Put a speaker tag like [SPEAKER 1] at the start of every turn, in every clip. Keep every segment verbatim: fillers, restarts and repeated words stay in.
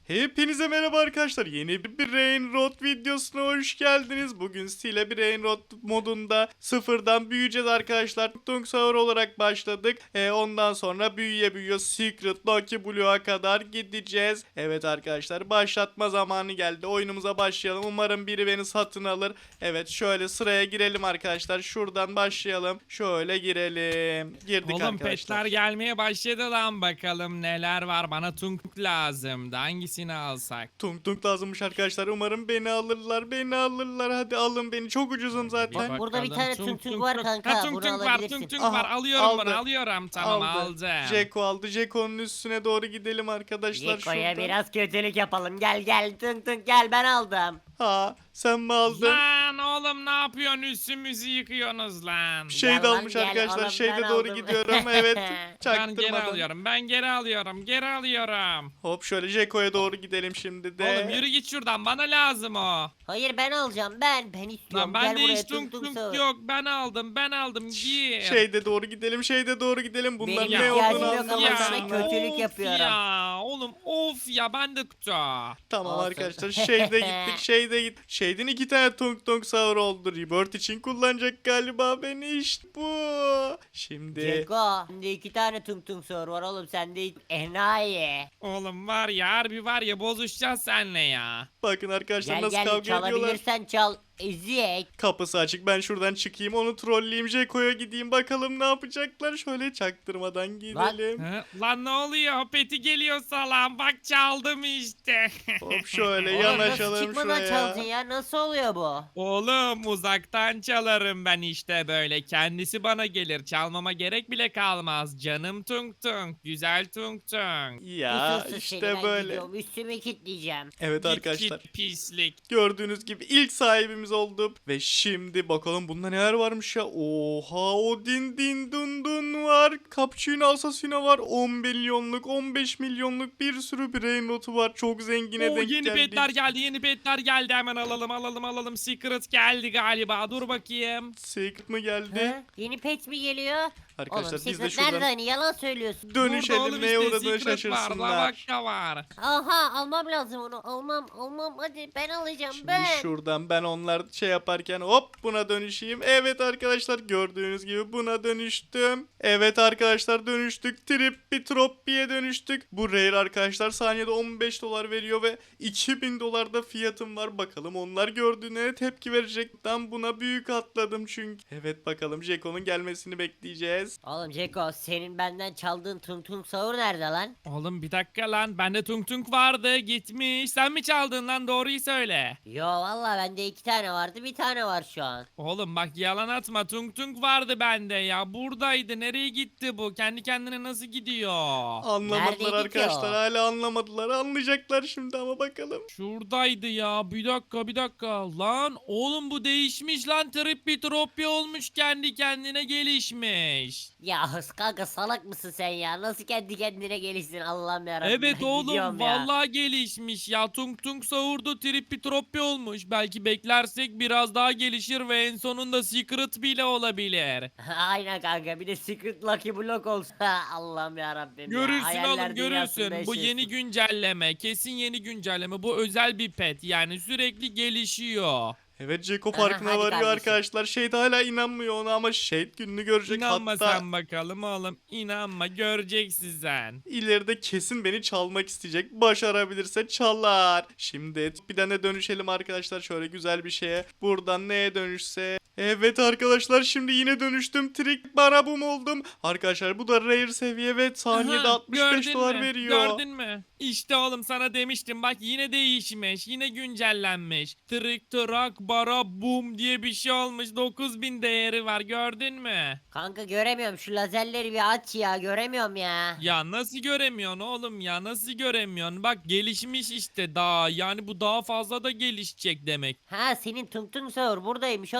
[SPEAKER 1] Hepinize merhaba arkadaşlar. Yeni bir Brain Rot videosuna hoş geldiniz. Bugün size Brain Rot modunda sıfırdan büyüyeceğiz arkadaşlar. Tung Sahur olarak başladık. E, ondan sonra büyüye büyüye Secret Lucky Blue'ya kadar gideceğiz. Evet arkadaşlar, başlatma zamanı geldi. Oyunumuza başlayalım. Umarım biri beni satın alır. Evet, şöyle sıraya girelim arkadaşlar. Şuradan başlayalım. Şöyle girelim. Girdik
[SPEAKER 2] Oğlum
[SPEAKER 1] arkadaşlar.
[SPEAKER 2] petler gelmeye başladı lan, bakalım neler var. Bana tung lazımdı, hangisini alsak?
[SPEAKER 1] Tung tung lazımmış arkadaşlar. Umarım beni alırlar. Beni alırlar. Hadi alın beni. Çok ucuzum zaten.
[SPEAKER 2] Bir
[SPEAKER 3] Burada bir
[SPEAKER 2] bakalım.
[SPEAKER 3] tane tung tung var kanka,
[SPEAKER 2] Ha, tung
[SPEAKER 3] bunu
[SPEAKER 2] tung var,
[SPEAKER 3] alabilirsin.
[SPEAKER 2] tung tung
[SPEAKER 1] Aha,
[SPEAKER 2] var, alıyorum
[SPEAKER 1] aldı.
[SPEAKER 2] bunu, alıyorum. Tamam,
[SPEAKER 1] Aldı.
[SPEAKER 2] aldım.
[SPEAKER 1] Jeko aldı. Jeko'nun üstüne doğru gidelim arkadaşlar.
[SPEAKER 3] Yeko'ya
[SPEAKER 1] şuradan.
[SPEAKER 3] biraz kötülük yapalım. Gel gel tung tung gel, ben aldım.
[SPEAKER 1] Ha, sen mi aldın?
[SPEAKER 2] Lan oğlum, ne yapıyorsun, üstümüzü yıkıyorsunuz lan.
[SPEAKER 1] Şey
[SPEAKER 3] Gel
[SPEAKER 1] de
[SPEAKER 3] lan,
[SPEAKER 1] almış
[SPEAKER 3] gel,
[SPEAKER 1] arkadaşlar.
[SPEAKER 3] oğlum,
[SPEAKER 1] Şeyde
[SPEAKER 3] ben
[SPEAKER 1] doğru
[SPEAKER 3] aldım.
[SPEAKER 1] gidiyorum. Evet.
[SPEAKER 2] Ben geri
[SPEAKER 1] Çaktırmadan.
[SPEAKER 2] alıyorum, ben geri alıyorum, geri alıyorum.
[SPEAKER 1] Hop, şöyle Jeko'ya doğru gidelim şimdi de.
[SPEAKER 2] Oğlum yürü git şuradan, bana lazım o.
[SPEAKER 3] Hayır, ben alacağım, ben ben istiyorum.
[SPEAKER 2] Lan
[SPEAKER 3] Gel
[SPEAKER 2] bende
[SPEAKER 3] buraya
[SPEAKER 2] hiç tung
[SPEAKER 3] tung
[SPEAKER 2] tung
[SPEAKER 3] sağır.
[SPEAKER 2] yok, ben aldım, ben aldım, gir.
[SPEAKER 1] Şeyde doğru gidelim. Şeyde doğru gidelim. Bunların
[SPEAKER 3] Benim
[SPEAKER 1] ne
[SPEAKER 3] ihtiyacım
[SPEAKER 1] olduğunu
[SPEAKER 3] yok ama sana
[SPEAKER 1] anlamasınlar.
[SPEAKER 3] kötülük
[SPEAKER 2] of
[SPEAKER 3] yapıyorum.
[SPEAKER 2] ya oğlum, of ya, ben de kutu.
[SPEAKER 1] Tamam
[SPEAKER 3] Olsun.
[SPEAKER 1] arkadaşlar, şeyde gittik. Şeyde git. Şeyden iki tane tung tung sahur oldu. Rebirth için kullanacak galiba beni, işte bu. Şimdi
[SPEAKER 3] Ceko, sende iki tane tung tung sağır var oğlum, sende hiç enayi.
[SPEAKER 2] Oğlum var ya, harbi var ya, bozuşacağız seninle ya.
[SPEAKER 1] bakın arkadaşlar
[SPEAKER 3] Gel
[SPEAKER 1] nasıl
[SPEAKER 3] gel,
[SPEAKER 1] kavga ediyorlar.
[SPEAKER 3] çalabilirsen çal. Ezik.
[SPEAKER 1] Kapısı açık, ben şuradan çıkayım, onu trolleyeyim, Jeko'ya gideyim, bakalım ne yapacaklar. Şöyle çaktırmadan gidelim.
[SPEAKER 2] Hı? Lan ne oluyor? Peti geliyor salam. Bak, çaldım işte.
[SPEAKER 1] Hop, şöyle
[SPEAKER 3] Oğlum nasıl
[SPEAKER 1] yanaşalım
[SPEAKER 3] çıkmadan
[SPEAKER 1] şuraya.
[SPEAKER 3] çaldın ya, nasıl oluyor bu?
[SPEAKER 2] Oğlum uzaktan çalarım ben işte böyle. Kendisi bana gelir. Çalmama gerek bile kalmaz. Canım tung tung. Güzel tung tung.
[SPEAKER 1] Ya
[SPEAKER 3] Kusursuz
[SPEAKER 1] işte
[SPEAKER 3] seni, ben
[SPEAKER 1] böyle.
[SPEAKER 3] gidiyorum, üstümü kilitleyeceğim.
[SPEAKER 1] Evet
[SPEAKER 2] Git
[SPEAKER 1] arkadaşlar,
[SPEAKER 2] git pislik.
[SPEAKER 1] gördüğünüz gibi ilk sahibimiz olduk. Ve şimdi bakalım bunda neler varmış ya. Oha, o din din dun dun var. Cappuccino Assassino var. on milyonluk, on beş milyonluk bir sürü brain notu var. Çok zengine
[SPEAKER 2] Oo,
[SPEAKER 1] denk
[SPEAKER 2] yeni
[SPEAKER 1] geldik.
[SPEAKER 2] petler geldi. Yeni petler geldi. Hemen alalım alalım alalım. Secret geldi galiba. Dur bakayım.
[SPEAKER 1] Secret mi geldi?
[SPEAKER 3] Ha? Yeni pet mi geliyor?
[SPEAKER 1] Arkadaşlar
[SPEAKER 3] Oğlum
[SPEAKER 1] biz de
[SPEAKER 3] Secret nerede,
[SPEAKER 1] şuradan
[SPEAKER 3] hani yalan söylüyorsun.
[SPEAKER 2] Burada
[SPEAKER 1] dönüşelim,
[SPEAKER 2] oğlum
[SPEAKER 1] neye
[SPEAKER 2] işte,
[SPEAKER 1] uğradığını
[SPEAKER 2] Secret var.
[SPEAKER 1] şaşırsınlar.
[SPEAKER 2] Lavakka var.
[SPEAKER 3] Aha, almam lazım onu, almam almam, hadi ben alacağım,
[SPEAKER 1] Şimdi
[SPEAKER 3] ben.
[SPEAKER 1] şuradan ben onlar şey yaparken hop buna dönüşeyim. Evet arkadaşlar, gördüğünüz gibi buna dönüştüm. Evet arkadaşlar, dönüştük. Trippi Troppi'ye dönüştük. Bu rare arkadaşlar saniyede on beş dolar veriyor ve iki bin dolarda fiyatım var. Bakalım onlar gördüğüne ne tepki verecek. Ben buna büyük atladım çünkü. Evet bakalım, Jeko'nun gelmesini bekleyeceğiz.
[SPEAKER 3] Oğlum Ceko, senin benden çaldığın tung tung sahur nerede lan?
[SPEAKER 2] Oğlum bir dakika lan. Bende tung tung vardı. Gitmiş. Sen mi çaldın lan? Doğruyu söyle.
[SPEAKER 3] Yo valla, bende iki tane vardı, bir tane var şu an.
[SPEAKER 2] Oğlum bak, yalan atma. Tung tung vardı bende ya. Buradaydı. Nereye gitti bu? Kendi kendine nasıl gidiyor?
[SPEAKER 1] Anlamadılar
[SPEAKER 3] Neredeydi ki
[SPEAKER 1] arkadaşlar,
[SPEAKER 3] o?
[SPEAKER 1] hala anlamadılar. Anlayacaklar şimdi ama bakalım.
[SPEAKER 2] Şuradaydı ya. Bir dakika bir dakika. Lan oğlum, bu değişmiş lan. Trippi troppi olmuş. Kendi kendine gelişmiş.
[SPEAKER 3] Ya hıs kanka, salak mısın sen ya? Nasıl kendi kendine gelişsin, Allah'ım yarabbim.
[SPEAKER 2] Evet
[SPEAKER 3] ben
[SPEAKER 2] oğlum,
[SPEAKER 3] gidiyorum ya.
[SPEAKER 2] vallahi gelişmiş ya. Tung tung sahurdu, trippi troppi olmuş. Belki beklersek biraz daha gelişir ve en sonunda secret bile olabilir.
[SPEAKER 3] Aynen kanka, bir de Secret Lucky Block olsa Allah'ım yarabbim ya.
[SPEAKER 2] Görürsün
[SPEAKER 3] Hayaller
[SPEAKER 2] oğlum,
[SPEAKER 3] dünyasında
[SPEAKER 2] görürsün. Bu yeni
[SPEAKER 3] yaşıyorsun.
[SPEAKER 2] güncelleme. Kesin yeni güncelleme. Bu özel bir pet. Yani sürekli gelişiyor.
[SPEAKER 1] Evet, Jeko
[SPEAKER 3] Aha,
[SPEAKER 1] farkına
[SPEAKER 3] hadi
[SPEAKER 1] varıyor
[SPEAKER 3] kardeşim.
[SPEAKER 1] arkadaşlar. Shade hala inanmıyor ona ama Shade gününü görecek.
[SPEAKER 2] İnanma
[SPEAKER 1] Hatta
[SPEAKER 2] sen bakalım oğlum. İnanma, göreceksin sen.
[SPEAKER 1] ileride kesin beni çalmak isteyecek. Başarabilirse çalar. Şimdi bir tane dönüşelim arkadaşlar, şöyle güzel bir şeye. Buradan neye dönüşse. Evet arkadaşlar, şimdi yine dönüştüm. Trick barabum oldum. Arkadaşlar bu da rare seviye ve saniyede
[SPEAKER 2] Aha,
[SPEAKER 1] altmış beş
[SPEAKER 2] gördün
[SPEAKER 1] dolar
[SPEAKER 2] mü?
[SPEAKER 1] veriyor.
[SPEAKER 2] Gördün mü? İşte oğlum, sana demiştim bak, yine değişmiş, yine güncellenmiş. Trick track bara boom diye bir şey olmuş, dokuz bin değeri var, gördün mü?
[SPEAKER 3] Kanka göremiyorum, şu lazerleri bir aç ya, göremiyorum ya.
[SPEAKER 2] Ya nasıl göremiyorsun oğlum ya, nasıl göremiyorsun? Bak gelişmiş işte daha, yani bu daha fazla da gelişecek demek.
[SPEAKER 3] Ha, senin tung tung sahur buradaymış oğlum, baksana.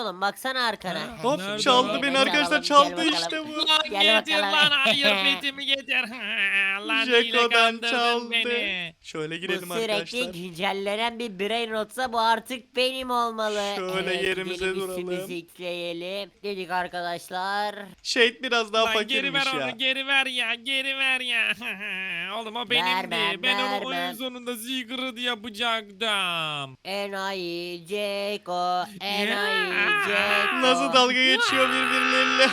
[SPEAKER 3] baksana arkana.
[SPEAKER 2] Ha,
[SPEAKER 1] Hop
[SPEAKER 2] nerede
[SPEAKER 1] çaldı
[SPEAKER 2] lan?
[SPEAKER 1] beni
[SPEAKER 3] Gel
[SPEAKER 1] arkadaşlar,
[SPEAKER 3] bakalım,
[SPEAKER 1] çaldı
[SPEAKER 3] gel
[SPEAKER 1] işte
[SPEAKER 3] bakalım.
[SPEAKER 1] bu.
[SPEAKER 2] Lan
[SPEAKER 3] Gel
[SPEAKER 2] getir
[SPEAKER 3] bakalım.
[SPEAKER 2] lan hayır petimi getir. Lan hile
[SPEAKER 1] Jeko'dan
[SPEAKER 2] kandırdın
[SPEAKER 1] çaldı.
[SPEAKER 2] beni.
[SPEAKER 1] Şöyle
[SPEAKER 3] Bu
[SPEAKER 1] girelim
[SPEAKER 3] sürekli
[SPEAKER 1] arkadaşlar.
[SPEAKER 3] güncellenen bir brain rotsa bu artık benim olmalı.
[SPEAKER 1] Şöyle
[SPEAKER 3] Evet,
[SPEAKER 1] yerimize
[SPEAKER 3] gidelim,
[SPEAKER 1] duralım.
[SPEAKER 3] üstümüzü yükleyelim. Dedik arkadaşlar.
[SPEAKER 1] Shade biraz daha
[SPEAKER 2] Lan geri ver
[SPEAKER 1] fakirmiş ya.
[SPEAKER 2] onu geri ver ya geri ver ya. Oğlum o benimdi.
[SPEAKER 3] Vermem,
[SPEAKER 2] Ben onu oyun
[SPEAKER 3] vermem.
[SPEAKER 2] sonunda secret yapacaktım.
[SPEAKER 3] Enayi Ceko. Enayi Ceko.
[SPEAKER 1] Nasıl dalga geçiyor birbirleriyle.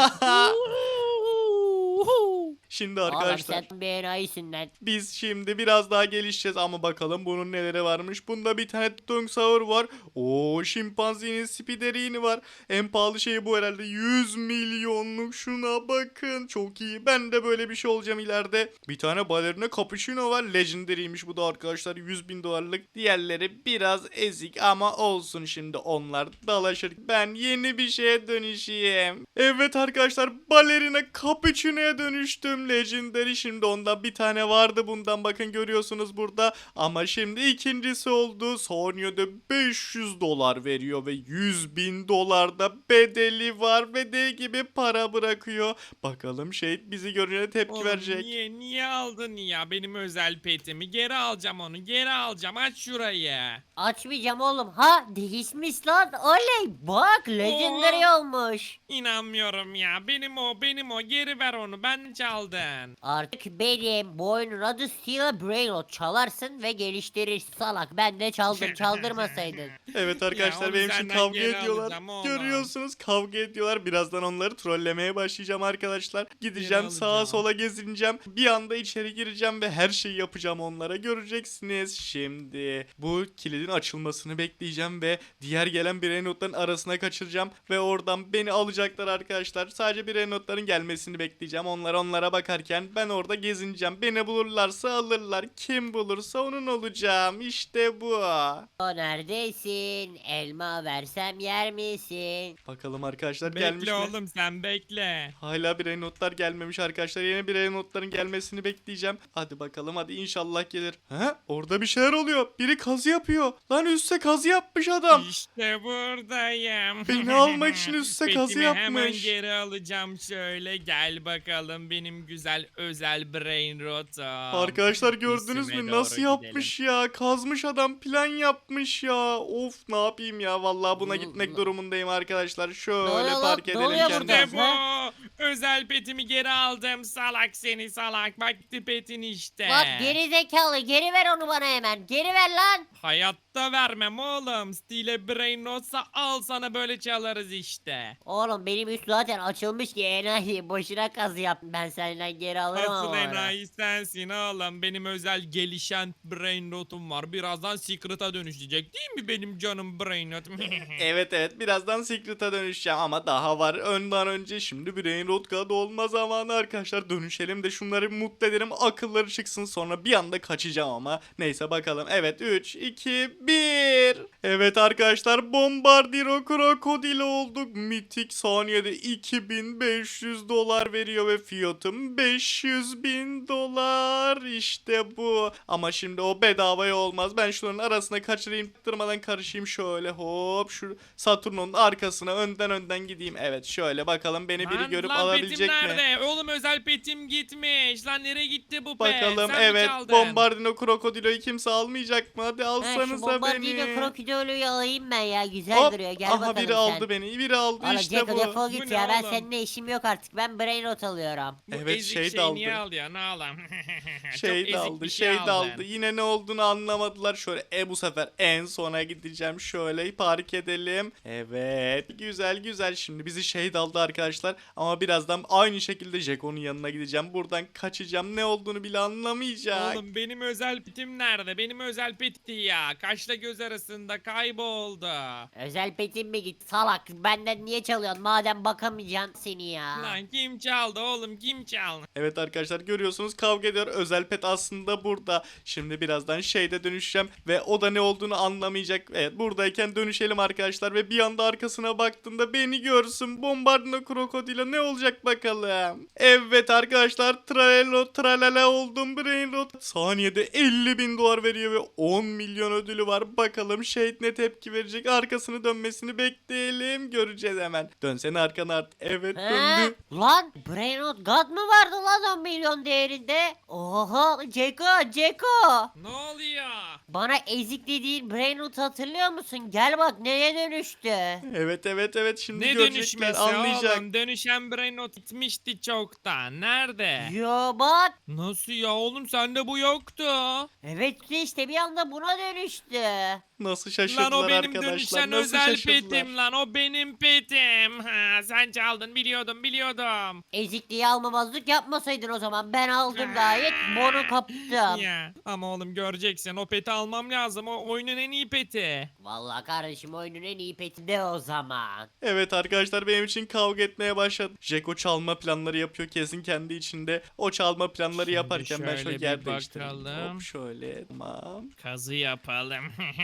[SPEAKER 1] Şimdi arkadaşlar
[SPEAKER 3] Oğlum sen bir enayisin lan.
[SPEAKER 1] biz şimdi biraz daha gelişeceğiz ama bakalım bunun neleri varmış. Bunda bir tane Tung Sahur var. Oo, şimpanzinin spiderini var. En pahalı şey bu herhalde. yüz milyonluk, şuna bakın. Çok iyi. Ben de böyle bir şey olacağım ileride. Bir tane balerina cappuccino var. Legendary'ymiş bu da arkadaşlar. yüz bin dolarlık. Diğerleri biraz ezik ama olsun, şimdi onlar dalaşır. Ben yeni bir şeye dönüşeyim. Evet arkadaşlar, balerina cappuccino'ya dönüştüm. Legendary, şimdi ondan bir tane vardı, bundan bakın görüyorsunuz burada. Ama şimdi ikincisi oldu. Sonya'da beş yüz dolar veriyor ve yüz bin dolar da bedeli var ve deli gibi para bırakıyor. Bakalım şey bizi görünce tepki
[SPEAKER 2] Oğlum
[SPEAKER 1] verecek.
[SPEAKER 2] niye niye aldın ya benim özel petimi? Geri alacağım onu geri alacağım, aç şurayı.
[SPEAKER 3] Açmayacağım oğlum. Ha değişmiş lan. Oley bak legendary olmuş.
[SPEAKER 2] İnanmıyorum ya, benim o benim o, geri ver onu, ben çaldın.
[SPEAKER 3] Artık benim bu oyunun adı Steel Brain Rot. Çalarsın ve geliştirirsin salak. Ben de çaldım, çaldırmasaydın.
[SPEAKER 1] Evet arkadaşlar,
[SPEAKER 2] onu
[SPEAKER 1] benim için
[SPEAKER 2] senden
[SPEAKER 1] kavga
[SPEAKER 2] geri
[SPEAKER 1] ediyorlar.
[SPEAKER 2] alacağım oğlum.
[SPEAKER 1] Görüyorsunuz, kavga ediyorlar. Birazdan onları trollemeye başlayacağım arkadaşlar. Gideceğim
[SPEAKER 2] Geri
[SPEAKER 1] sağa
[SPEAKER 2] alacağım.
[SPEAKER 1] sola gezineceğim. Bir anda içeri gireceğim ve her şeyi yapacağım onlara. Göreceksiniz. Şimdi bu kilidin açılmasını bekleyeceğim ve diğer gelen birey notların arasına kaçıracağım ve oradan beni alacaklar arkadaşlar. Sadece birey notların gelmesini bekleyeceğim. Onlar onlara bakarken ben orada gezineceğim. Beni bulurlarsa alırlar. Kim bulursa onun olacağım. İşte bu.
[SPEAKER 3] O neredesin? Elma versem yer misin?
[SPEAKER 1] Bakalım arkadaşlar gelmiş
[SPEAKER 2] Bekle
[SPEAKER 1] mi?
[SPEAKER 2] oğlum sen bekle.
[SPEAKER 1] Hala birey notlar gelmemiş arkadaşlar. Yeni birey notların gelmesini bekleyeceğim. Hadi bakalım, hadi inşallah gelir. Ha? Orada bir şeyler oluyor. Biri kazı yapıyor. Lan üste kazı yapmış adam.
[SPEAKER 2] İşte buradayım.
[SPEAKER 1] Beni almak için üste kazı
[SPEAKER 2] Petimi hemen
[SPEAKER 1] yapmış.
[SPEAKER 2] geri alacağım, şöyle gel bakalım benim güzel özel brain rotom.
[SPEAKER 1] Arkadaşlar gördünüz
[SPEAKER 2] İsime
[SPEAKER 1] mü?
[SPEAKER 2] doğru
[SPEAKER 1] Nasıl yapmış ya? Kazmış adam, plan yapmış ya. Of, ne yapayım ya? Vallahi buna
[SPEAKER 3] Ne-
[SPEAKER 1] gitmek
[SPEAKER 3] ne-
[SPEAKER 1] durumundayım arkadaşlar. Şöyle
[SPEAKER 3] oluyor lan?
[SPEAKER 1] park
[SPEAKER 3] Ne
[SPEAKER 1] edelim
[SPEAKER 3] oluyor
[SPEAKER 1] kendimizi.
[SPEAKER 3] burada?
[SPEAKER 2] İşte bu. Özel petimi geri aldım, salak seni salak. Bak petin işte.
[SPEAKER 3] Bak geri zekalı geri ver onu bana hemen. Geri ver lan.
[SPEAKER 2] Hayatta vermem oğlum. Stile brain rotsa al sana, böyle çalarız işte.
[SPEAKER 3] Oğlum benim üst zaten açılmış ki enayi. Boşuna kazı yap. Ben senden geri alırım
[SPEAKER 2] Asıl
[SPEAKER 3] ama.
[SPEAKER 2] enayi sensin oğlum. Benim özel gelişen brain rotum var. Birazdan secret'a dönüşecek değil mi benim canım brain rot?
[SPEAKER 1] Evet evet, birazdan Secret'a dönüşeceğim ama daha var. Önden önce şimdi Brain Rot'ga dolma zamanı arkadaşlar. Dönüşelim de şunları bir mutlu edelim, akılları çıksın, sonra bir anda kaçacağım ama. Neyse bakalım. Evet, üç, iki, bir. Evet arkadaşlar, Bombardiro Krokodil olduk. Mitik saniyede iki bin beş yüz dolar veriyor ve fiyatım beş yüz bin dolar. İşte bu. Ama şimdi o bedavaya olmaz. Ben şunların arasına kaçırayım, tırmadan karışayım şöyle, hop şu Saturn'un arkasına önden önden gideyim. Evet, şöyle bakalım beni biri
[SPEAKER 2] Lan,
[SPEAKER 1] görüp
[SPEAKER 2] lan
[SPEAKER 1] alabilecek
[SPEAKER 2] petim
[SPEAKER 1] mi?
[SPEAKER 2] nerede? Oğlum özel petim gitmiş. Lan nereye gitti bu pet?
[SPEAKER 1] Bakalım.
[SPEAKER 2] Sen mi
[SPEAKER 1] Evet,
[SPEAKER 2] çaldın?
[SPEAKER 1] Bombardino Krokodilo'yu kimse almayacak mı? Hadi
[SPEAKER 3] Ha, şu
[SPEAKER 1] alsanıza
[SPEAKER 3] bombardino
[SPEAKER 1] beni.
[SPEAKER 3] krokodilü alayım ben ya. Güzel
[SPEAKER 1] Hop,
[SPEAKER 3] duruyor. Gel
[SPEAKER 1] aha
[SPEAKER 3] bakalım
[SPEAKER 1] biri
[SPEAKER 3] sen.
[SPEAKER 1] aldı beni. Biri aldı
[SPEAKER 3] Oğlum
[SPEAKER 1] işte
[SPEAKER 3] Ceko
[SPEAKER 1] bu.
[SPEAKER 3] defol
[SPEAKER 2] Bu
[SPEAKER 3] git
[SPEAKER 2] ne
[SPEAKER 3] ya. Ben
[SPEAKER 2] oğlum?
[SPEAKER 3] seninle işim yok artık. Ben brain rot alıyorum.
[SPEAKER 2] Bu
[SPEAKER 1] Evet,
[SPEAKER 2] ezik
[SPEAKER 1] şey de
[SPEAKER 2] şey
[SPEAKER 1] aldı.
[SPEAKER 2] niye alıyor? Ne alalım? Çok
[SPEAKER 1] Şey
[SPEAKER 2] ezik
[SPEAKER 1] de aldı,
[SPEAKER 2] bir
[SPEAKER 1] şey de
[SPEAKER 2] aldın.
[SPEAKER 1] aldı. Yine ne olduğunu anlamadılar. Şöyle e bu sefer en sona gideceğim. Şöyle park edelim. Evet. Güzel güzel. Şimdi bizi şey de aldı arkadaşlar. Ama birazdan aynı şekilde Jeko'nun yanına gideceğim. Buradan kaçacağım. Ne olduğunu bile anlamayacak.
[SPEAKER 2] Oğlum benim özel petim nerede? Benim özel petti ya. Kaşla göz arasında kayboldu.
[SPEAKER 3] Özel petin mi git salak? Benden niye çalıyorsun? Madem bakamayacaksın seni ya.
[SPEAKER 2] Lan kim çaldı oğlum, kim çaldı?
[SPEAKER 1] Evet arkadaşlar, görüyorsunuz kavga ediyor. Özel pet aslında burada. Şimdi birazdan şeyde dönüşeceğim ve o da ne olduğunu anlamayacak. Evet, buradayken dönüşelim arkadaşlar ve bir anda arkasına baktığında beni görsün. Bombardino Krokodilo ne olacak bakalım. Evet arkadaşlar tralelo tralala oldum Brain Rot. Saniyede elli bin dolar veriyor ve on milyon ödülü var. Bakalım Shade ne tepki verecek. Arkasını dönmesini bekleyelim. Göreceğiz hemen. Dönsene arkana artık. Evet
[SPEAKER 3] He?
[SPEAKER 1] döndü.
[SPEAKER 3] Lan Brainrot God mı vardı lan on milyon değerinde? Oha Ceko Ceko.
[SPEAKER 2] Ne oluyor?
[SPEAKER 3] Bana ezik dediğin Brainrot hatırlıyor musun? Gel bak neye dönüştü.
[SPEAKER 1] Evet evet evet şimdi
[SPEAKER 2] Ne
[SPEAKER 1] görecekler
[SPEAKER 2] dönüşmesi
[SPEAKER 1] anlayacak.
[SPEAKER 2] oğlum? Dönüşen Brainrot gitmişti çoktan. Nerede?
[SPEAKER 3] Yo bak.
[SPEAKER 2] Nasıl ya oğlum, sende bu yoktu.
[SPEAKER 3] Evet işte bir anda buna dönüştü.
[SPEAKER 1] Nasıl
[SPEAKER 2] Lan
[SPEAKER 1] şaşırdılar
[SPEAKER 2] o benim
[SPEAKER 1] arkadaşlar.
[SPEAKER 2] dönüşen
[SPEAKER 1] Nasıl
[SPEAKER 2] özel
[SPEAKER 1] şaşırdılar.
[SPEAKER 2] petim lan, o benim petim. Ha, sen çaldın, biliyordum biliyordum.
[SPEAKER 3] Ezikliği almamazlık yapmasaydın o zaman. Ben aldım gayet bunu kaptım.
[SPEAKER 2] Ya ama oğlum göreceksin, o peti almam lazım, o oyunun en iyi peti.
[SPEAKER 3] Vallahi kardeşim oyunun en iyi peti de o zaman.
[SPEAKER 1] Evet arkadaşlar benim için kavga etmeye başladı. Jeko çalma planları yapıyor kesin kendi içinde. O çalma planları
[SPEAKER 2] Şimdi
[SPEAKER 1] yaparken ben
[SPEAKER 2] şöyle
[SPEAKER 1] şöyle
[SPEAKER 2] bir
[SPEAKER 1] yer değiştireyim.
[SPEAKER 2] bakalım.
[SPEAKER 1] Hop şöyle tamam.
[SPEAKER 2] Kazı yapalım.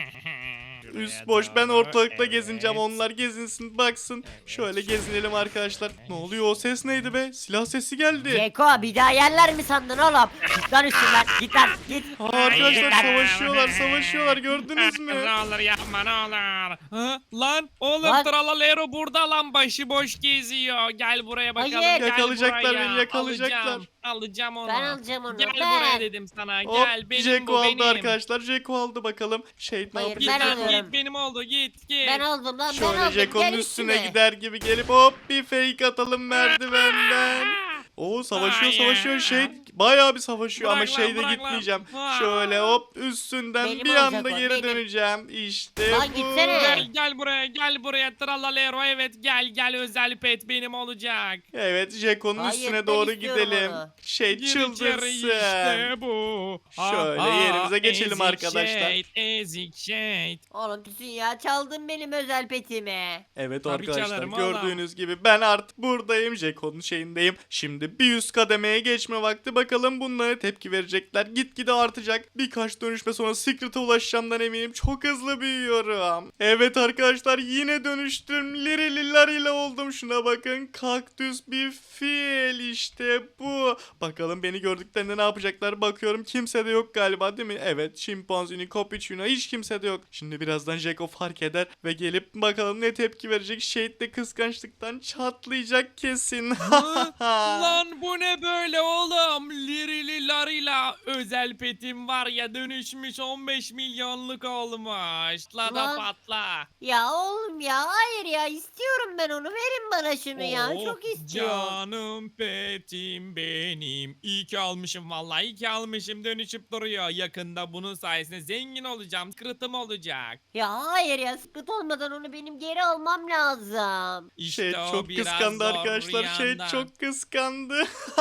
[SPEAKER 2] Şuraya
[SPEAKER 1] Üst boş ben
[SPEAKER 2] doğru,
[SPEAKER 1] ortalıkta
[SPEAKER 2] evet.
[SPEAKER 1] gezineceğim onlar gezinsin baksın.
[SPEAKER 2] Evet,
[SPEAKER 1] Şöyle
[SPEAKER 2] şöyle.
[SPEAKER 1] gezinelim arkadaşlar. Ne oluyor o ses neydi be? Silah sesi geldi.
[SPEAKER 3] Ceko bir daha yerler mi sandın oğlum? Git lan üstünden git lan git.
[SPEAKER 1] Aa, arkadaşlar
[SPEAKER 2] Hayır.
[SPEAKER 1] savaşıyorlar savaşıyorlar gördünüz mü?
[SPEAKER 2] Ne olur yapma, ne olur. Ha, lan oğlum
[SPEAKER 3] Lan.
[SPEAKER 2] Tralalero burada lan, başıboş geziyor. Gel buraya bakalım.
[SPEAKER 3] Hayır.
[SPEAKER 2] Gel
[SPEAKER 1] Yakalayacaklar
[SPEAKER 2] buraya.
[SPEAKER 1] beni, yakalayacaklar.
[SPEAKER 2] Alacağım, alacağım onu.
[SPEAKER 3] Ben alacağım onu,
[SPEAKER 2] Gel
[SPEAKER 3] ben.
[SPEAKER 2] buraya dedim sana.
[SPEAKER 1] Hop
[SPEAKER 2] Gel benim
[SPEAKER 1] Jeko
[SPEAKER 2] bu
[SPEAKER 1] aldı
[SPEAKER 2] benim.
[SPEAKER 1] arkadaşlar. Jeko aldı bakalım. Şey ne
[SPEAKER 3] Hayır,
[SPEAKER 1] yapıyor?
[SPEAKER 3] ben
[SPEAKER 2] Git,
[SPEAKER 3] alıyorum.
[SPEAKER 2] git benim oldu, git git.
[SPEAKER 3] Ben aldım lan ben
[SPEAKER 1] Şöyle
[SPEAKER 3] aldım.
[SPEAKER 1] Jeko'nun
[SPEAKER 3] Gel
[SPEAKER 1] üstüne
[SPEAKER 3] üstüne.
[SPEAKER 1] gider gibi gelip hop bir fake atalım merdivenden. Oo savaşıyor
[SPEAKER 2] Hayır.
[SPEAKER 1] savaşıyor şey bayağı bir savaşıyor ama
[SPEAKER 2] Bırak lan,
[SPEAKER 1] şeyde
[SPEAKER 2] bırak lan.
[SPEAKER 1] gitmeyeceğim.
[SPEAKER 2] Ha.
[SPEAKER 1] Şöyle hop üstünden
[SPEAKER 3] Benim
[SPEAKER 1] bir
[SPEAKER 3] olacak
[SPEAKER 1] anda
[SPEAKER 3] o,
[SPEAKER 1] geri
[SPEAKER 3] benim.
[SPEAKER 1] döneceğim. İşte
[SPEAKER 3] Lan
[SPEAKER 1] bu.
[SPEAKER 3] gitsene.
[SPEAKER 2] Gel gel buraya, gel buraya Tralalero, evet gel gel, özel pet benim olacak.
[SPEAKER 1] Evet Jeko'nun
[SPEAKER 3] Hayır,
[SPEAKER 1] üstüne
[SPEAKER 3] ben
[SPEAKER 1] doğru
[SPEAKER 3] istiyorum
[SPEAKER 1] gidelim.
[SPEAKER 3] onu.
[SPEAKER 1] Şey
[SPEAKER 2] Gir içeri,
[SPEAKER 1] çıldırsın.
[SPEAKER 2] işte bu.
[SPEAKER 1] Şöyle
[SPEAKER 2] Aha,
[SPEAKER 1] yerimize geçelim
[SPEAKER 2] ezik
[SPEAKER 1] arkadaşlar.
[SPEAKER 2] Shade, ezik shade.
[SPEAKER 3] Oğlum Tüsün ya çaldın benim özel petimi.
[SPEAKER 1] Evet
[SPEAKER 2] Tabii
[SPEAKER 1] arkadaşlar
[SPEAKER 2] çalarım
[SPEAKER 1] gördüğünüz gibi ben artık buradayım. Jeko'nun şeyindeyim. Şimdi bir üst kademeye geçme vakti. Bakalım bunlara tepki verecekler. Gitgide artacak. Birkaç dönüşme sonra Secret'a ulaşacağımdan eminim. Çok hızlı büyüyorum. Evet arkadaşlar yine dönüştüm. Lirili larila oldum. Şuna bakın. Kaktüs bir fil işte bu. Bakalım beni gördüklerinde ne yapacaklar. Bakıyorum kimse de yok galiba değil mi? Evet şimpanzini, Capuchino hiç kimse de yok. Şimdi birazdan Jeko fark eder ve gelip bakalım ne tepki verecek. Shade de kıskançlıktan çatlayacak kesin.
[SPEAKER 2] Hı? Lan bu ne böyle oğlum? Lirili larila özel petim var ya, dönüşmüş on beş milyonluk olmuş. La da
[SPEAKER 3] Lan.
[SPEAKER 2] patla.
[SPEAKER 3] Ya oğlum ya hayır ya istiyorum ben onu verin bana şunu ya
[SPEAKER 2] Oh,
[SPEAKER 3] çok istiyorum.
[SPEAKER 2] Canım petim benim. İyi ki almışım vallahi, iyi ki almışım, dönüşüp duruyor. Yakında bunun sayesinde zengin olacağım. Kırıtım olacak.
[SPEAKER 3] Ya hayır ya sıkıntı olmadan onu benim geri almam lazım.
[SPEAKER 2] İşte
[SPEAKER 1] Şey
[SPEAKER 2] o
[SPEAKER 1] çok
[SPEAKER 2] biraz
[SPEAKER 1] kıskandı
[SPEAKER 2] zor
[SPEAKER 1] arkadaşlar. Şey
[SPEAKER 2] yandan.
[SPEAKER 1] çok kıskandı.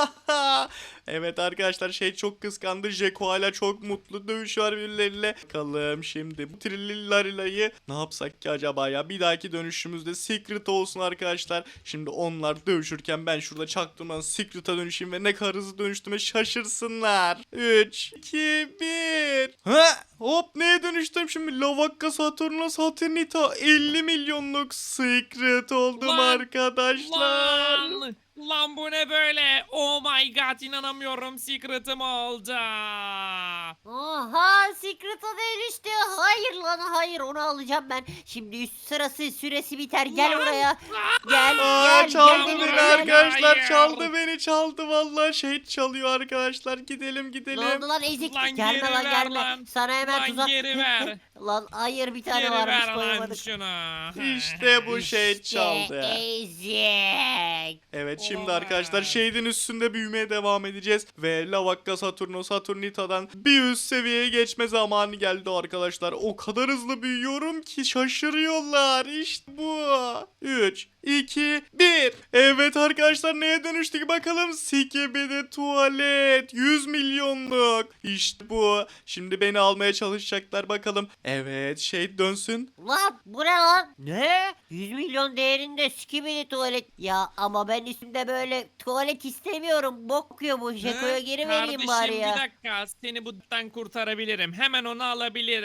[SPEAKER 1] Evet arkadaşlar şey çok kıskandı. Jeko hala çok mutlu. Dövüşüyor birbirleriyle. Bakalım şimdi bu Trillilarilayı ne yapsak ki acaba ya? Bir dahaki dönüşümüzde Secret olsun arkadaşlar. Şimdi onlar dövüşürken ben şurada çaktırmadan Secret'a dönüşeyim ve ne kadar hızlı dönüştüğüme şaşırsınlar. üç, iki, bir. Ha! Hop neye dönüştüm şimdi? Lavakka Saturno Saturnita elli milyonluk Secret oldum
[SPEAKER 2] Lan,
[SPEAKER 1] arkadaşlar.
[SPEAKER 2] Lan, lan bu ne böyle? Oh my god, inanamıyorum, secret'ım oldu.
[SPEAKER 3] Oha Secret'a dönüştü. Hayır lan hayır onu alacağım ben. Şimdi üst sırası süresi biter gel
[SPEAKER 2] Lan.
[SPEAKER 3] buraya. Gel
[SPEAKER 1] Aa,
[SPEAKER 3] gel
[SPEAKER 1] çaldı
[SPEAKER 3] gel
[SPEAKER 1] beni
[SPEAKER 3] benimle
[SPEAKER 2] Hayır.
[SPEAKER 3] gel.
[SPEAKER 1] arkadaşlar çaldı beni çaldı vallahi şey çalıyor arkadaşlar gidelim
[SPEAKER 3] Ne
[SPEAKER 1] gidelim.
[SPEAKER 3] oldu lan ezik?
[SPEAKER 2] Lan
[SPEAKER 3] gelme
[SPEAKER 2] geri
[SPEAKER 3] lan
[SPEAKER 2] ver
[SPEAKER 3] gelme.
[SPEAKER 2] lan.
[SPEAKER 3] Sana hemen
[SPEAKER 2] Lan
[SPEAKER 3] tuzak.
[SPEAKER 2] geri ver.
[SPEAKER 3] Lan hayır bir tane
[SPEAKER 2] Geri
[SPEAKER 3] varmış
[SPEAKER 2] ver lan
[SPEAKER 3] koyamadık.
[SPEAKER 2] şunu.
[SPEAKER 1] İşte bu şey
[SPEAKER 3] İşte
[SPEAKER 1] çaldı.
[SPEAKER 3] ezik.
[SPEAKER 1] Evet şimdi
[SPEAKER 2] Olamaz.
[SPEAKER 1] arkadaşlar şeyden üstünde büyümeye devam edeceğiz ve Lavakka Saturno Saturnita'dan bir üst seviyeye geçme zamanı geldi arkadaşlar. O kadar hızlı büyüyorum ki şaşırıyorlar. İşte bu. üç, iki, bir. Evet arkadaşlar neye dönüştük bakalım. Skibidi tuvalet. yüz milyonluk. İşte bu. Şimdi beni almaya çalışacaklar bakalım. Evet şey dönsün.
[SPEAKER 3] Lan bu ne lan? Ne? yüz milyon değerinde skibidi tuvalet. Ya ama ben üstümde böyle tuvalet istemiyorum. Bok kokuyor bu. Jeko'ya
[SPEAKER 2] Hı?
[SPEAKER 3] geri vereyim
[SPEAKER 2] Kardeşim
[SPEAKER 3] bari ya.
[SPEAKER 2] bir dakika, seni buradan kurtarabilirim. Hemen onu alabilirim. Ver bana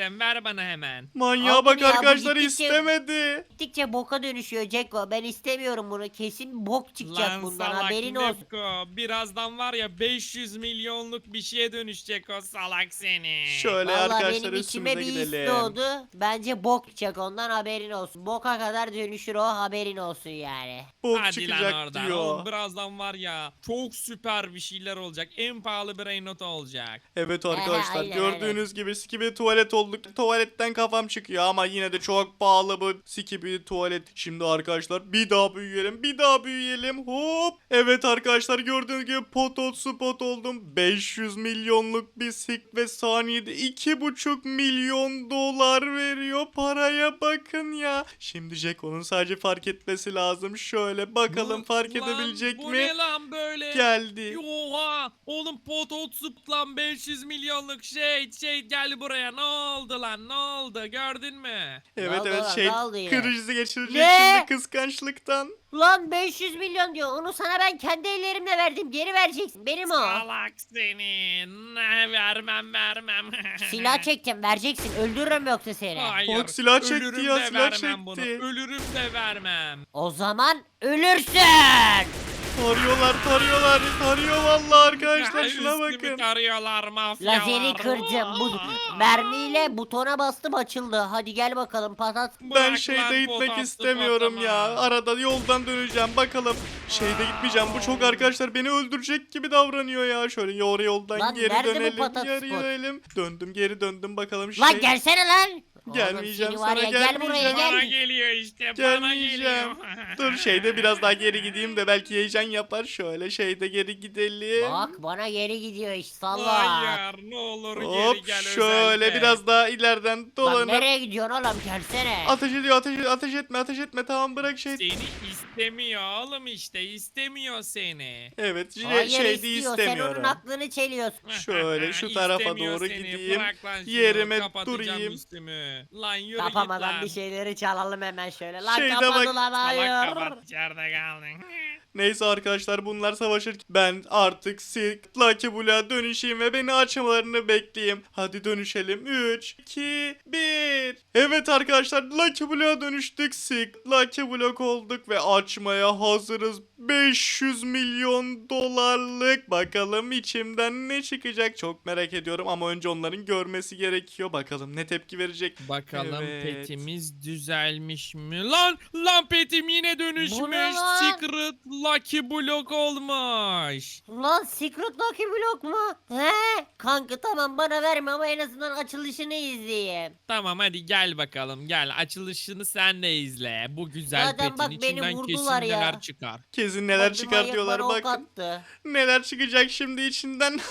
[SPEAKER 2] bana hemen.
[SPEAKER 1] Manyağa
[SPEAKER 3] Aldım
[SPEAKER 1] bak
[SPEAKER 3] ya, bu
[SPEAKER 1] arkadaşlar,
[SPEAKER 3] gittikçe-
[SPEAKER 1] istemedi.
[SPEAKER 3] Gittikçe boka dönüşüyor Ceko. Ben istemiyorum bunu. Kesin bok çıkacak
[SPEAKER 2] Lan
[SPEAKER 3] bundan,
[SPEAKER 2] salak
[SPEAKER 3] haberin olsun.
[SPEAKER 2] Neko. Birazdan var ya beş yüz milyonluk bir şeye dönüşecek o salak seni.
[SPEAKER 1] Şöyle
[SPEAKER 3] Vallahi
[SPEAKER 1] arkadaşlar,
[SPEAKER 3] benim içime
[SPEAKER 1] üstümüze
[SPEAKER 3] bir his
[SPEAKER 1] gidelim.
[SPEAKER 3] doğdu. Bence bok çıkacak ondan, haberin olsun. Boka kadar dönüşür o, haberin olsun yani.
[SPEAKER 1] Bok
[SPEAKER 2] Hadi lan
[SPEAKER 1] çıkacak
[SPEAKER 2] oradan.
[SPEAKER 1] diyor.
[SPEAKER 2] Oğlum birazdan var ya çok süper bir şeyler olacak. En pahalı brain not olacak.
[SPEAKER 1] Evet arkadaşlar,
[SPEAKER 3] aynen,
[SPEAKER 1] gördüğünüz gibi skibidi tuvalet olduk. Tuvaletten kafam çıkıyor ama yine de çok pahalı bu skibidi tuvalet. Şimdi arkadaşlar bir daha büyüyelim, bir daha büyüyelim. Hop. Evet arkadaşlar, gördüğünüz gibi pot spot oldum. beş yüz milyonluk bir sik ve saniyede iki buçuk milyon dolar veriyor. Paraya bakın ya. Şimdi Jeko'nun sadece fark etmesi lazım. Şöyle bakalım,
[SPEAKER 2] Bu-
[SPEAKER 1] fark
[SPEAKER 2] lan,
[SPEAKER 1] edebilecek
[SPEAKER 2] bu
[SPEAKER 1] mi?
[SPEAKER 2] ne lan böyle?
[SPEAKER 1] Geldi.
[SPEAKER 2] Oha! Oğlum pot zıp lan beş yüz milyonluk şey şey gel buraya, ne oldu lan, ne oldu gördün mü?
[SPEAKER 1] Evet
[SPEAKER 3] Ne oldu
[SPEAKER 1] evet,
[SPEAKER 3] lan,
[SPEAKER 1] şey
[SPEAKER 3] ne oldu yine?
[SPEAKER 1] krizi geçirecek
[SPEAKER 3] Ne?
[SPEAKER 1] şimdi kıskançlıktan.
[SPEAKER 3] Lan beş yüz milyon diyor. Onu sana ben kendi ellerimle verdim. Geri vereceksin. Benim o.
[SPEAKER 2] Salak seni. Ne vermem vermem.
[SPEAKER 3] Silah çekeceğim. Vereceksin. Öldürürüm yoksa seni.
[SPEAKER 2] Hayır.
[SPEAKER 1] Bak, silah çekti
[SPEAKER 2] ölürüm
[SPEAKER 1] ya,
[SPEAKER 2] de
[SPEAKER 1] silah
[SPEAKER 2] vermem
[SPEAKER 1] çekti.
[SPEAKER 2] Bunu. Ölürüm de vermem.
[SPEAKER 3] O zaman ölürsün.
[SPEAKER 1] Tarıyorlar tarıyorlar tarıyor vallahi arkadaşlar,
[SPEAKER 2] Ya,
[SPEAKER 1] şuna
[SPEAKER 2] üstümü
[SPEAKER 1] bakın.
[SPEAKER 2] tarıyorlar mafyalar.
[SPEAKER 3] Lazeri kırdım. Bu mermiyle butona bastım, açıldı. Hadi gel bakalım patat.
[SPEAKER 1] Ben
[SPEAKER 2] Bırak
[SPEAKER 1] şeyde
[SPEAKER 2] lan
[SPEAKER 1] gitmek
[SPEAKER 2] potatsı
[SPEAKER 1] istemiyorum
[SPEAKER 2] patlama.
[SPEAKER 1] ya. Arada yoldan döneceğim bakalım. Şeyde gitmeyeceğim. Bu çok arkadaşlar beni öldürecek gibi davranıyor ya. Şöyle yarı yoldan
[SPEAKER 3] Lan
[SPEAKER 1] geri
[SPEAKER 3] nerede bu
[SPEAKER 1] dönelim.
[SPEAKER 3] patat
[SPEAKER 1] Yarı
[SPEAKER 3] spot?
[SPEAKER 1] dönelim. Döndüm geri döndüm bakalım şey.
[SPEAKER 3] Lan gelsene lan.
[SPEAKER 1] Gelmeyeceğim
[SPEAKER 3] Oğlum, seni var
[SPEAKER 1] sana,
[SPEAKER 3] ya, gel buraya
[SPEAKER 1] gelmeyeceğim.
[SPEAKER 2] Bana
[SPEAKER 3] gel.
[SPEAKER 2] geliyor işte. Bana
[SPEAKER 1] Gelmeyeceğim.
[SPEAKER 2] geliyor.
[SPEAKER 1] Dur şeyde biraz daha geri gideyim de belki heyecan yapar. Şöyle şeyde geri gidelim.
[SPEAKER 3] Bak bana geri gidiyor iş, salla.
[SPEAKER 2] Hayır, ne olur geri
[SPEAKER 1] Hop
[SPEAKER 2] gel
[SPEAKER 1] şöyle
[SPEAKER 2] özellikle.
[SPEAKER 1] biraz daha ileriden
[SPEAKER 3] Lan
[SPEAKER 1] dolanıp.
[SPEAKER 3] nereye gidiyorsun oğlum, gelsene.
[SPEAKER 1] Ateş ediyor, ateş ediyor, ateş etme, ateş etme, tamam bırak şey.
[SPEAKER 2] Seni istemiyor oğlum, işte istemiyor seni.
[SPEAKER 1] Evet şey,
[SPEAKER 3] Hayır
[SPEAKER 1] şeyde
[SPEAKER 3] istiyor, sen
[SPEAKER 1] istemiyorum.
[SPEAKER 3] onun aklını çeliyorsun.
[SPEAKER 1] Şöyle şu tarafa
[SPEAKER 2] İstemiyor
[SPEAKER 1] doğru
[SPEAKER 2] seni.
[SPEAKER 1] gideyim.
[SPEAKER 2] Bırak lan şunu,
[SPEAKER 1] Yerime
[SPEAKER 2] kapatacağım
[SPEAKER 1] durayım.
[SPEAKER 2] üstümü. Lan yürü
[SPEAKER 3] Kapamadan
[SPEAKER 2] git
[SPEAKER 3] bir
[SPEAKER 2] lan.
[SPEAKER 3] şeyleri çalalım hemen şöyle. Lan
[SPEAKER 1] Şeyde
[SPEAKER 3] kapadı
[SPEAKER 1] bak-
[SPEAKER 3] lan,
[SPEAKER 2] Salak
[SPEAKER 3] hayır.
[SPEAKER 2] kapat, içeride kaldın.
[SPEAKER 1] Neyse arkadaşlar, bunlar savaşırken ben artık Silk Lucky Blue'a dönüşeyim ve beni açmalarını bekleyeyim. Hadi dönüşelim. üç, iki, bir. Evet arkadaşlar, Lucky Blue'a dönüştük. Silk Lucky Block olduk ve açmaya hazırız. beş yüz milyon dolarlık. Bakalım içimden ne çıkacak, çok merak ediyorum ama önce onların görmesi gerekiyor. Bakalım ne tepki verecek.
[SPEAKER 2] Bakalım
[SPEAKER 1] Evet.
[SPEAKER 2] petimiz düzelmiş mi? Lan lan petim yine
[SPEAKER 3] Bu ne
[SPEAKER 2] dönüşmüş.
[SPEAKER 3] lan?
[SPEAKER 2] Secret Lucky Block olmuş.
[SPEAKER 3] Lan Secret Lucky Block mu? He? Kanka tamam, bana verme ama en azından açılışını izleyeyim.
[SPEAKER 2] Tamam hadi gel bakalım, gel açılışını sen de izle. Bu güzel
[SPEAKER 3] Zaten
[SPEAKER 2] petin
[SPEAKER 3] bak, beni
[SPEAKER 2] içinden
[SPEAKER 3] vurdular
[SPEAKER 2] kesin
[SPEAKER 3] ya.
[SPEAKER 2] neler çıkar.
[SPEAKER 1] Kesin neler
[SPEAKER 3] Bak,
[SPEAKER 1] çıkar
[SPEAKER 3] manyak
[SPEAKER 1] diyorlar,
[SPEAKER 3] bana ok
[SPEAKER 1] bakın.
[SPEAKER 3] attı.
[SPEAKER 1] Neler çıkacak şimdi içinden.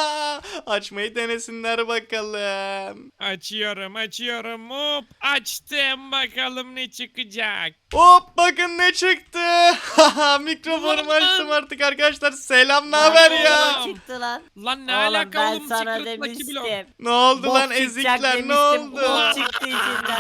[SPEAKER 1] Açmayı denesinler bakalım.
[SPEAKER 2] Açıyorum açıyorum, hop açtım, bakalım ne çıkacak.
[SPEAKER 1] Hop bakın ne çıktı. Mikrofonumu
[SPEAKER 2] Lan!
[SPEAKER 1] açtım artık arkadaşlar. Selam, ne
[SPEAKER 3] Lan
[SPEAKER 1] haber
[SPEAKER 3] oğlum,
[SPEAKER 1] ya?
[SPEAKER 3] çıktı lan.
[SPEAKER 2] Lan ne
[SPEAKER 3] Oğlum
[SPEAKER 2] alaka
[SPEAKER 3] ben
[SPEAKER 2] oğlum,
[SPEAKER 3] sana
[SPEAKER 2] Secret Lucky
[SPEAKER 3] demiştim.
[SPEAKER 2] Block.
[SPEAKER 1] Ne oldu
[SPEAKER 3] Bok
[SPEAKER 1] lan
[SPEAKER 3] çıkacak
[SPEAKER 1] ezikler, ne
[SPEAKER 3] demiştim,
[SPEAKER 1] oldu?
[SPEAKER 3] bok çıktı içinden.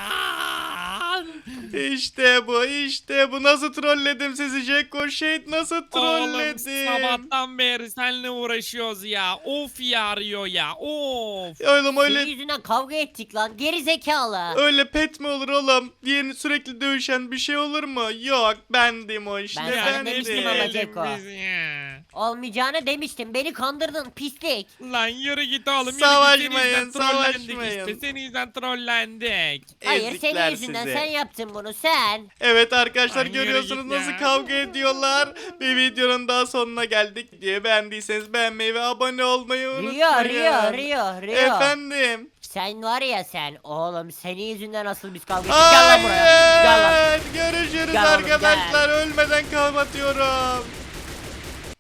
[SPEAKER 1] İşte bu, işte bu. Nasıl trolledim sizi Jacko Shade, nasıl
[SPEAKER 2] Oğlum
[SPEAKER 1] trolledim?
[SPEAKER 2] sabahtan beri seninle uğraşıyoruz ya. Of ya, arıyor ya. Of.
[SPEAKER 1] Oğlum
[SPEAKER 3] Senin
[SPEAKER 1] öyle
[SPEAKER 3] yüzünden kavga ettik lan, geri zekalı.
[SPEAKER 1] öyle pet mi olur oğlum? Yeni sürekli dövüşen bir şey olur mu? Yok, bendim o işte.
[SPEAKER 3] Ben sana
[SPEAKER 1] bendim.
[SPEAKER 3] demiştim ama
[SPEAKER 2] Dedim
[SPEAKER 3] Ceko.
[SPEAKER 2] biz ya.
[SPEAKER 3] Olmayacağını demiştim, beni kandırdın pislik.
[SPEAKER 2] Lan yürü git oğlum. Yürü
[SPEAKER 1] Savaşmayın,
[SPEAKER 2] git. Senin yüzünden trollendik
[SPEAKER 1] savaşmayın.
[SPEAKER 2] işte. Senin yüzünden trollendik.
[SPEAKER 3] Hayır,
[SPEAKER 1] Ezikler
[SPEAKER 3] senin yüzünden,
[SPEAKER 1] sizi.
[SPEAKER 3] sen yaptın bunu sen.
[SPEAKER 1] Evet arkadaşlar,
[SPEAKER 2] Ay, yürü
[SPEAKER 1] görüyorsunuz
[SPEAKER 2] git
[SPEAKER 1] nasıl
[SPEAKER 2] ya.
[SPEAKER 1] kavga ediyorlar. Bir videonun daha sonuna geldik. Diye beğendiyseniz beğenmeyi ve abone olmayı unutmayın.
[SPEAKER 3] Rio Rio Rio Rio.
[SPEAKER 1] Efendim.
[SPEAKER 3] Sen var ya sen, oğlum senin yüzünden asıl biz kavga ettik. Gel lan buraya. Gel lan.
[SPEAKER 1] Hayır. Görüşürüz
[SPEAKER 3] Gel oğlum,
[SPEAKER 1] arkadaşlar. Ölmeden kapatıyorum.